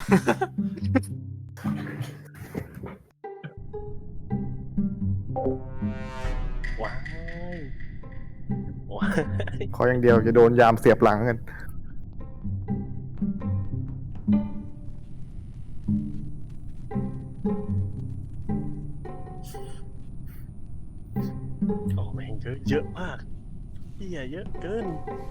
ว้ายว้ายขออย่างเดียวจะโดนยามเสียบหลังกันโอ้แม่งเยอะมากเหี้ยเยอะเกิน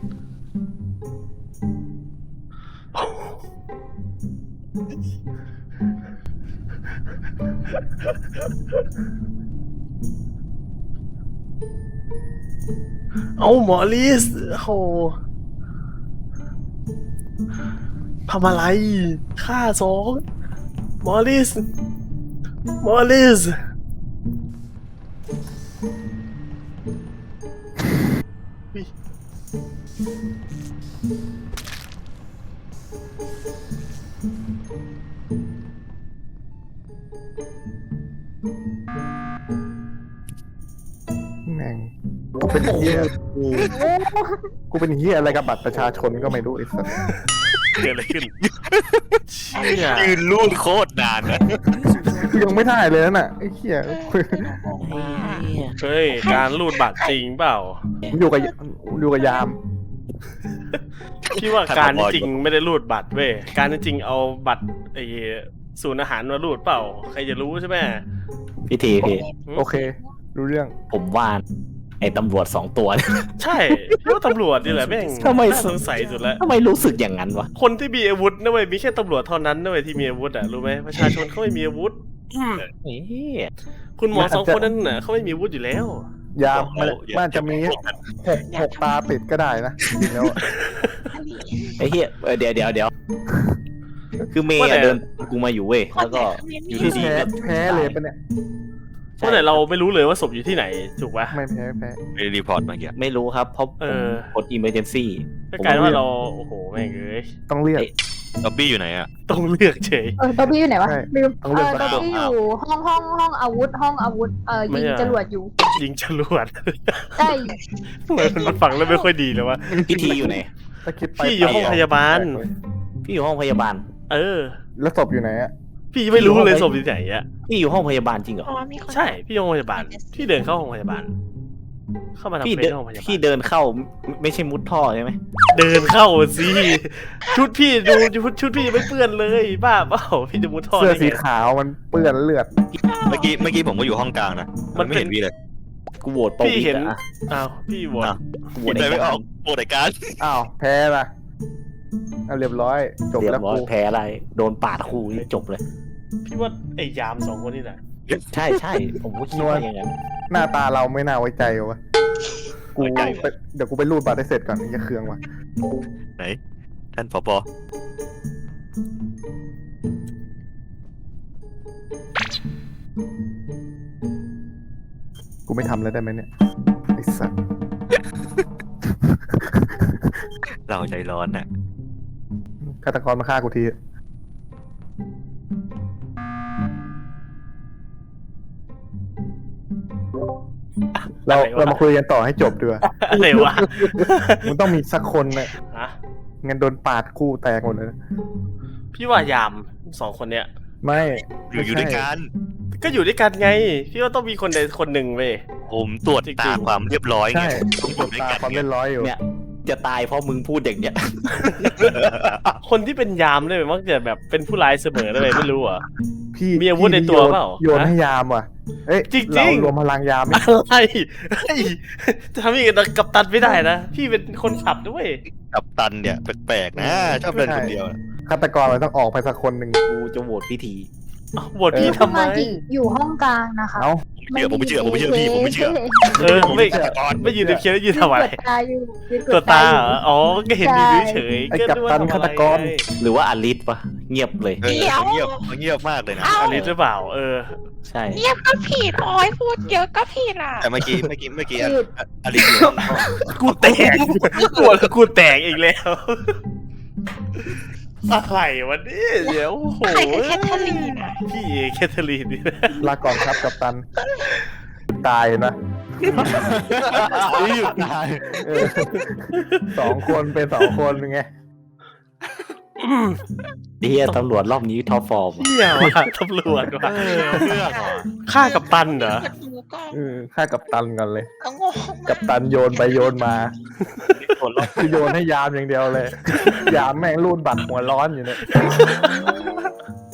เอาหมอลิสโหทำอะไรฆ่าสองหมอลิสอุ๊ยแม่งกูเป็นเหี้ยอะไรกับบัตรประชาชนก็ไม่รู้ไอ้สัสเกิดอะไรขึ้นเชี่ยยืนรูดโคตรนานนะยังไม่ได้เลยน่ะไอ้เหี้ยเฮ้ยการรูดบัตรจริงเปล่าอยู่กับยามพี่ว่าการจริงไม่ได้รูดบัตรเว้ยการจริงเอาบัตรไอ้ศูนย์อาหารมารูดเปล่าใครจะรู้ใช่ไหมพี่ทีพี่โอเค รู้เรื่องผมว่าไอ้ตำรวจ2 ตัวเนี่ยใช่พี่ว่าตำรวจนี่แหละแม่งทำไมน่าสงสัยสุดแล้วทำไมรู้สึกอย่างนั้นวะคนที่มีอาวุธนะเว้ยมีแค่ตำรวจเท่านั้นนะเว้ยที่มีอาวุธอ่ะรู้ไหมประชาชนเขาไม่มีอาวุธเฮ้ยคุณหมอ2 คนนั้นน่ะเขาไม่มีอาวุธอยู่แล้วยามมันจะมีหกตาติดก็ได้นะจริงแล้วอะไอ้เหี้ยเดี๋ยวคือเมย์ว่าแต่อะเดินกูมาอยู่เว้ยแล้วก็อยู่พี่ดีแพ้เลยปะเนี่ยเพราะแต่เราไม่รู้เลยว่าศพอยู่ที่ไหนถูกปะไม่แพ้ไม่ได้รีพอร์ตเมื่อกี้ไม่รู้ครับเพราะผมกด emergency ก็กลายว่าเราโอ้โหแม่งเอ้ยต้องเรียกล็อบบี้อยู่ไหนอ่ะต้องเลือกเฉยบอบบี้อยู่ไหนวะใช่ลืมต้องเลือกบอบบี้อยู่ห้องอาวุธยิงจรวดอยู่ยิงจรวดใช่มันฟังแล้วไม่ค่อยดีเลยวะพี่ทีอยู่ไหนถ้าคิดไปพี่อยู่ห้องพยาบาลพี่อยู่ห้องพยาบาลเออแล้วศพอยู่ไหนอะพี่ไม่รู้เลยศพอยู่ไหนอะพี่อยู่ห้องพยาบาลจริงเหรอใช่พี่ห้องพยาบาลพี่เดินเข้าห้องพยาบาล เข้ามาทำพี่เฟเดิซนห้องพยาบาลพี่เดินเข้าไม่ใช่มุดท่อใช่ไหมเดินเข้าสิชุดพี่ดูชุดพี่ยังไม่เปื้อนเลยบ้าเปล่าพี่จะมุดท่อเสื้อได้สีไงขาวมันเปื้อนเลือดเมื่อกี้ผมก็อยู่ห้องกลางนะมันไม่เป็นเห็นพี่เลยกูโหวตปวีพี่เห็นอะอ้าวพี่โหวตอ้าวกูโหวคิตดอะไรในไม่อการอกโปรดการอ้าวแพ้ละเอาเรียบร้อยจบเรียแล้วบร้อยกูแพ้อะไรโดนปาดคู่นี่จบเลยพี่ว่าไอ้ยาม2 คนนี่แหละใช่ผมก็คิดว่าอย่างนั้นหน้าตาเราไม่น่าไว้ใจวะกูเดี๋ยวกูไปรูดบัตรให้เสร็จก่อนอย่าเคืองว่ะไหน ท่านผบ. กูไม่ทำแล้วได้ไหมเนี่ยไอ้สัสเราใจร้อนน่ะฆาตกรมาฆ่ากูทีเรามาคุยกันต่อให้จบดีกว่าอะไรวะมันต้องมีสักคนนะฮะงั้นโดนปาดคู่แตกหมดเลยนะพี่ว่ายาม2 คนเนี้ยไม่อยู่ด้วยกันก็อยู่ด้วยกันไง พี่ว่าต้องมีคนใดคนหนึ่งเว้ยผมตรวจตาความเรียบร้อยไงใช่ผมอยู่ด้วยตากันความไงเล่นร้อยอยู่เนี่ยจะตายเพราะมึงพูดอย่างเนี้ยคนที่เป็นยามเลยมักจะแบบเป็นผู้ร้ายเสมอเลยไม่รู้เหรอ่ะพี่มีอาวุธในตัวเปล่าโยนให้ยามว่ะเอ้ยจริงๆเรารวมพลังยามไหมอะไรเฮ้ยจะทำอย่างนี้กับกัปตันไม่ได้นะ พี่เป็นคนขับด้วยกับตันเนี่ยแปลกๆนะชอบเดินคนเดียวนะฆาตกรมันต้องออกไปสักคนหนึ่งกูจะโหวตพี่ทีอ้าวบทพี่ทำไมอยู่ห้องกลางนะคะเอ้าผมไม่เชื่อพี่ผมไม่เชื่อเออไม่ยืนในเคียร์ยืนทำอะไรตาอยู่ตัวตาเหรออ๋อก็เห็นอยู่เฉยๆไอ้ก็กัปนึกว่าตันทำฆาอะไรตกรไงหรือว่าอลิสปะเงียบเลยเงียบมากเลยนะอลิสหรือเปล่าเออใช่เงียบก็ผิดโอ้ยพูดเยอะก็ผิดอ่ะแต่เมื่อกี้อลิซอยู่ห้องกูแตกปวดกูแตกอีกแล้วอะไรวะเนี่ยเดี๋ยวโอ้โหใครคือแคทเธอรีนอ่ะพี่เอแคทเธอรีนนี่นะลาก่อนครับกัปตัน ตายนะหยุดตายเออ2 คนเป็น2 คนไงไอ้เหี้ยตำรวจรอบนี้ท็อปฟอร์มเหี้ยว่ะตำรวจว่ะเรื่องว่ะฆ่ากับตันเหรอฆ่ากับตันกันเลยเอางงกับตันโยนไปโยนมาคนรอบคือโยนให้ยามอย่างเดียวเลย ยามแม่งรูดบัตรหัวร้อนอยู่เนี่ย